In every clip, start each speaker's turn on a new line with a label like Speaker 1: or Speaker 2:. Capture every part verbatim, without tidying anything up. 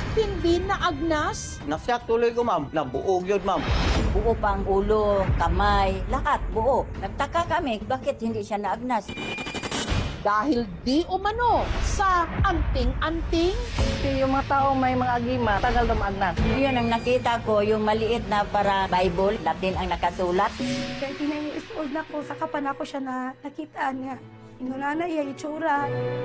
Speaker 1: Hindi na agnas?
Speaker 2: Nasyak tuloy ko, ma'am. Nabuog yun, ma'am.
Speaker 3: Buo pang ulo, kamay, lahat buo. Nagtaka kami, bakit hindi siya naagnas?
Speaker 1: Dahil di umano sa anting-anting?
Speaker 4: Yung mga tao may mga agima, tagal na maagnas.
Speaker 3: Yun ang nakita ko, yung maliit na para Bible, Latin ang nakasulat.
Speaker 5: thirty-nine years old na ko, saka pa na ko siya na nakita niya. Inuna na iya itsura.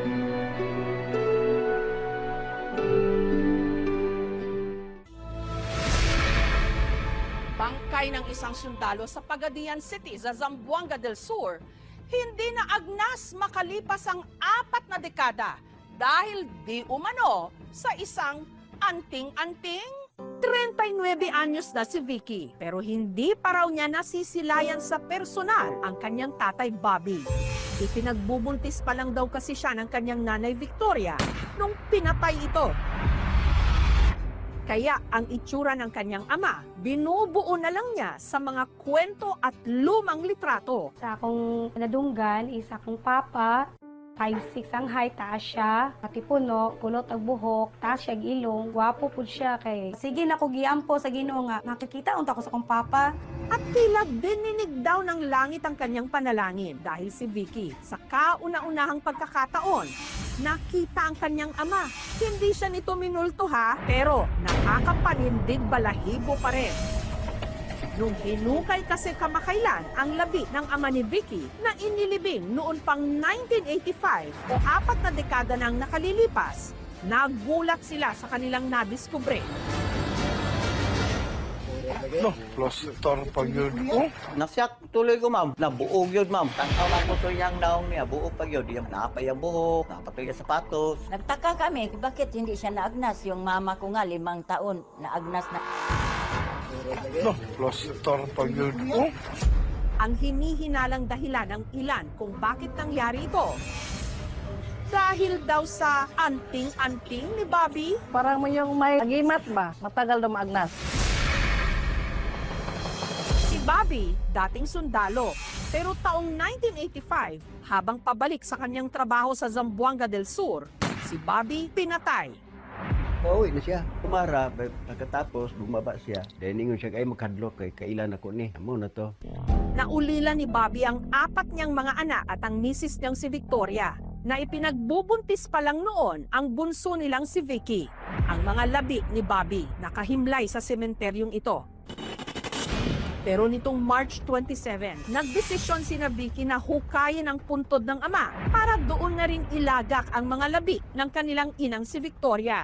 Speaker 1: Bangkay ng isang sundalo sa Pagadian City sa Zamboanga del Sur, hindi na agnas makalipas ang apat na dekada dahil di umano sa isang anting-anting. thirty-nine anyos na si Vicky, pero hindi pa raw niya nasisilayan sa personal ang kanyang tatay Bobby. Ipinagbubuntis pa lang daw kasi siya ng kanyang nanay Victoria nung pinatay ito. Kaya ang itsura ng kanyang ama, binubuo na lang niya sa mga kwento at lumang litrato.
Speaker 5: Sa akong nadunggan, isa akong papa, five six ang height, taas siya, katipuno, kulot ang buhok, taas siya ang ilong, gwapo po siya kay. Sige na ko giampo sa Ginoo nga, makikita unta ko sa akong papa.
Speaker 1: At tila dininig daw ng langit ang kanyang panalangin dahil si Vicky sa kauna-unahang pagkakataon, nakita ang kanyang ama. Hindi siya nito minulto ha, pero nakakapanindig balahibo pa rin. Nung hinukay kasi kamakailan ang labi ng ama ni Vicky na inilibing noon pang nineteen eighty-five o apat na dekada nang nakalilipas, nagulat sila sa kanilang nadiskubre.
Speaker 6: No, plaster pag yun. Oh,
Speaker 2: Nasyak tuloy ko, ma'am. Nabuog yun, ma'am. Tangkawan ko to yung naong niya. Buog pag yun. Yung napay ang buhok, napatay yung sapatos.
Speaker 3: Nagtaka kami, bakit hindi siya naagnas? Yung mama ko nga, limang taon, naagnas na.
Speaker 6: no, plaster pag yun. Oh,
Speaker 1: Ang hinihinalang dahilan ng ilan kung bakit nangyari ito. Dahil daw sa anting-anting ni Bobby.
Speaker 4: Parang mo yung may agimat ba, matagal na maagnas.
Speaker 1: Si Bobby, dating sundalo, pero taong nineteen eighty-five, habang pabalik sa kanyang trabaho sa Zamboanga del Sur, si Bobby pinatay.
Speaker 7: Pauwi na siya. Kumara, pagkatapos bumaba siya. Dahil ningon siya, ay makadlok kay kailan ako ni. Amo na to.
Speaker 1: Naulila ni Bobby ang apat niyang mga anak at ang misis niyang si Victoria, na ipinagbubuntis pa lang noon ang bunso nilang si Vicky. Ang mga labi ni Bobby nakahimlay sa sementeryong ito. Pero nitong March twenty-seven, nagdesisyon si na Vicky na hukayin ang puntod ng ama para doon na rin ilagak ang mga labi ng kanilang inang si Victoria.